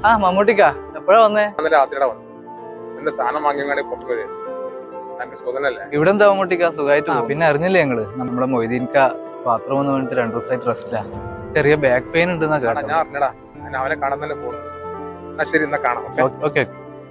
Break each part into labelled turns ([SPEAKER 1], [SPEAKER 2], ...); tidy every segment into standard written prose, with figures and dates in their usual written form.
[SPEAKER 1] ആ മമ്മൂട്ടിക്കാ എപ്പോഴാ വന്നേ?
[SPEAKER 2] രാത്രിയുടെ വന്നു എന്റെ സാധനം വാങ്ങിയാൽ പൊട്ടുപോയത് സുഖനല്ലേ?
[SPEAKER 1] ഇവിടെ എന്താ മമ്മൂട്ടിക്കാ സുഖമായിട്ട്? പിന്നെ അറിഞ്ഞില്ലേ ഞങ്ങള് നമ്മുടെ മൊയ്തീൻക്ക ബാത്റൂം എന്ന് പറഞ്ഞിട്ട് 2 ദിവസമായിട്ട് റെസ്റ്റിലാ. ചെറിയ ബാക്ക് പെയിൻ ഉണ്ടെന്നാ കേട്ടോ.
[SPEAKER 2] ഞാൻ അറിഞ്ഞടാ, ഞാൻ അവനെ കാണാൻ തന്നെ പോകുന്നു. ശരി, എന്നാ കാണാം.
[SPEAKER 1] ഓക്കെ.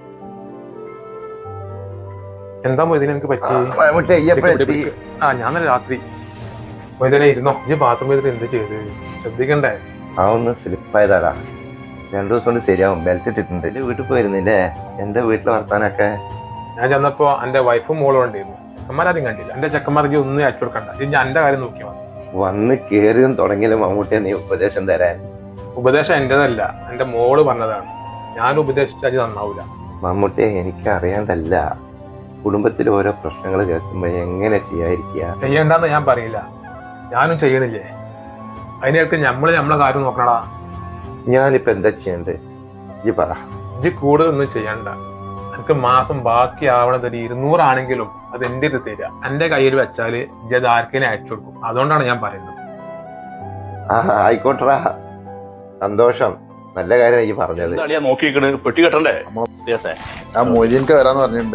[SPEAKER 2] എന്താ മൊയ്തീൻ എനിക്ക് പറ്റി? ഞാൻ രാത്രി മൊയ്തീനെ ഇരുന്നോ? ഈ ബാത്റൂമിൽ എന്ത് ചെയ്ത് ശ്രദ്ധിക്കണ്ടേ?
[SPEAKER 3] ഒന്ന് സ്ലിപ്പായതാടാ. 2 ദിവസം കൊണ്ട് ശരിയാവും. ബെൽറ്റ് ഇട്ടിട്ടുണ്ട്. എന്റെ വീട്ടിൽ പോയിരുന്നില്ലേ? എന്റെ വീട്ടിലെ വർത്താനൊക്കെ
[SPEAKER 2] ഞാൻ ചെന്നപ്പോ എന്റെ വൈഫും മോളും ഉണ്ടായിരുന്നു. ചെക്കന്മാരും കണ്ടില്ല. എന്റെ ചെക്കന്മാർക്ക് ഒന്നും അയച്ചു കൊടുക്കണ്ട. ഞാൻ എന്റെ കാര്യം നോക്കിയാൽ മതി.
[SPEAKER 3] വന്ന് കേറിയും തുടങ്ങിയാലും മമ്മൂട്ടിയെ നീ ഉപദേശം തരാൻ.
[SPEAKER 2] ഉപദേശം എന്റേതല്ല, എന്റെ മോള് പറഞ്ഞതാണ്. ഞാൻ ഉപദേശിച്ചാൽ നന്നാവൂല.
[SPEAKER 3] മമ്മൂട്ടിയെ എനിക്ക് അറിയാണ്ടല്ല. കുടുംബത്തിൽ ഓരോ പ്രശ്നങ്ങൾ കേൾക്കുമ്പോ എങ്ങനെ ചെയ്യാതിരിക്കുക?
[SPEAKER 2] ചെയ്യണ്ടെന്ന് ഞാൻ പറയില്ല, ഞാനും ചെയ്യണില്ലേ. അതിനേക്ക് നമ്മളെ കാര്യം നോക്കണടാ.
[SPEAKER 3] ഞാനിപ്പോ എന്താ ചെയ്യണ്ടേ ഈ പറ.
[SPEAKER 2] ഇത് കൂടുതലൊന്നും ചെയ്യണ്ട. എനിക്ക് മാസം ബാക്കി ആവണത് 200 ആണെങ്കിലും അത് എന്റെ ഇത് തരിക. എന്റെ കയ്യിൽ വെച്ചാല് ഇത് ആർക്കെങ്കിലും അയച്ചു കൊടുക്കും. അതുകൊണ്ടാണ് ഞാൻ പറയുന്നത്.
[SPEAKER 3] ആയിക്കോട്ടറാ, സന്തോഷം. നല്ല കാര്യം ഈ പറഞ്ഞത്.
[SPEAKER 4] പെട്ടി കെട്ടണ്ടേ?
[SPEAKER 5] ആ മൊയ്തീൻക്ക് വരാന്ന് പറഞ്ഞിട്ടുണ്ട്.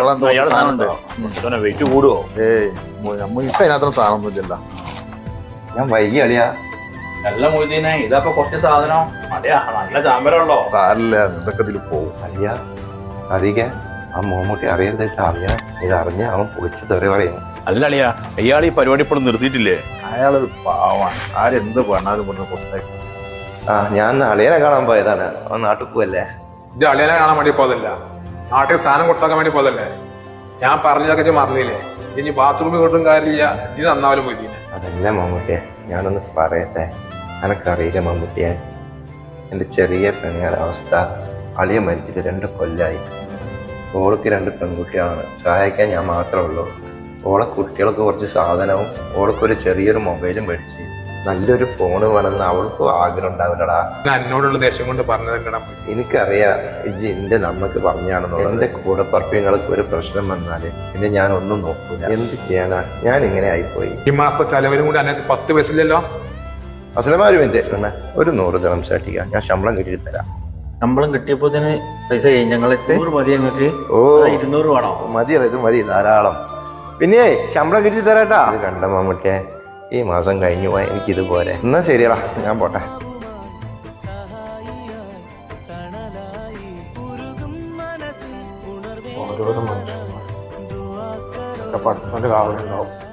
[SPEAKER 4] വെയിറ്റ് കൂടുവോ?
[SPEAKER 5] നമ്മ ഇപ്പൊ അതിനകത്തൊന്നും സാധനം ഒന്നുമില്ല.
[SPEAKER 3] ഞാൻ വൈകി അളിയാ.
[SPEAKER 4] നല്ല മൊയ്തീനെ, ഇതപ്പൊ കുറച്ച് സാധനം അതെയാ, നല്ല ചാമ്പരമുള്ളോ?
[SPEAKER 5] സാരില്ല, ഇതൊക്കെ ഇതിൽ പോകും.
[SPEAKER 3] അളിയാ അറിയിക്ക, ആ മമ്മൂട്ടി അറിയരുതിട്ട് അറിയാ. ഇതറിഞ്ഞ അവൻ പൊളിച്ചു തെറി പറയുന്നു.
[SPEAKER 4] അല്ല അളിയാ, ഇയാൾ ഈ പരിപാടി ഇപ്പോഴും നിർത്തിയിട്ടില്ലേ?
[SPEAKER 5] അയാളൊരു പാവാണ്. ആരെന്ത് പറഞ്ഞാലും ഇവിടുന്ന് കൊടുത്തേക്കും.
[SPEAKER 3] ഞാൻ അളിയനെ കാണാൻ പോയതാണ്. അവൻ നാട്ടിൽ പോവല്ലേ?
[SPEAKER 2] ഇത് അളിയനെ കാണാൻ വേണ്ടി പോതല്ല, നാട്ടിൽ സ്ഥാനം കൊടുത്താക്കാൻ വേണ്ടി പോതല്ലേ. ഞാൻ പറഞ്ഞതൊക്കെ മറന്നില്ലേ? ഇനി ബാത്റൂമിൽ കൊണ്ടും കാര്യമില്ല, ഇത് നന്നാവലും പോയി.
[SPEAKER 3] അതല്ല മമ്മൂട്ടിയെ, ഞാനൊന്ന് പറയട്ടെ. എനക്കറിയില്ല മമ്മൂട്ടിയെ, എൻ്റെ ചെറിയ പെണ്ണുങ്ങളുടെ അവസ്ഥ. അളിയ മരിച്ചിട്ട് 2 കൊല്ലമായി. ഓൾക്ക് 2 പെൺകുട്ടികളാണ്. സഹായിക്കാൻ ഞാൻ മാത്രമേ ഉള്ളൂ. ഓളെ കുട്ടികൾക്ക് കുറച്ച് സാധനവും ഓൾക്കൊരു ചെറിയൊരു മൊബൈലും മേടിച്ച് നല്ലൊരു ഫോണ് വേണമെന്ന് അവൾക്കും ആഗ്രഹം ഉണ്ടാവില്ലടാ.
[SPEAKER 2] എന്നോടുള്ള ദേഷ്യം കൊണ്ട് പറഞ്ഞത്
[SPEAKER 3] എനിക്കറിയാം. ഇജ്ജ് എന്റെ നമ്മക്ക് പറഞ്ഞാണെന്നുള്ളത്. എന്റെ കൂടെ പറപ്പിങ്ങൾക്ക് ഒരു പ്രശ്നം വന്നാല് പിന്നെ ഞാൻ ഒന്നും നോക്കൂല. എന്ത് ചെയ്യാനാ, ഞാൻ ഇങ്ങനെ ആയിപ്പോയി.
[SPEAKER 2] ഈ മാസത്തെ ചെലവിലും കൂടി അതിനകത്ത് 10 പൈസയില്ലല്ലോ.
[SPEAKER 3] അസലമാ ഒരു മിനിറ്റ്, ഒരു 100 ദിർഹംസ് അടിക്കാം. ഞാൻ ശമ്പളം കിട്ടിയിട്ട് തരാം.
[SPEAKER 6] ശമ്പളം കിട്ടിയപ്പോ തന്നെ പൈസ ഞങ്ങളെ 100 മതി ഞങ്ങൾക്ക്. 200 വേണോ?
[SPEAKER 3] മതി, ഇത് മതി, ധാരാളം. പിന്നെ ശമ്പളം കിട്ടിയിട്ട് തരാട്ടാ. ഇത് കണ്ട മമ്മൂട്ടിയെ, ഈ മാസം കഴിഞ്ഞു പോയാൽ എനിക്കിത് പോരെ. എന്നാ ശരിയടാ, ഞാൻ പോട്ടെ.
[SPEAKER 2] ഓരോരോ മനുഷ്യന്മാർ കാവലുണ്ടാവും.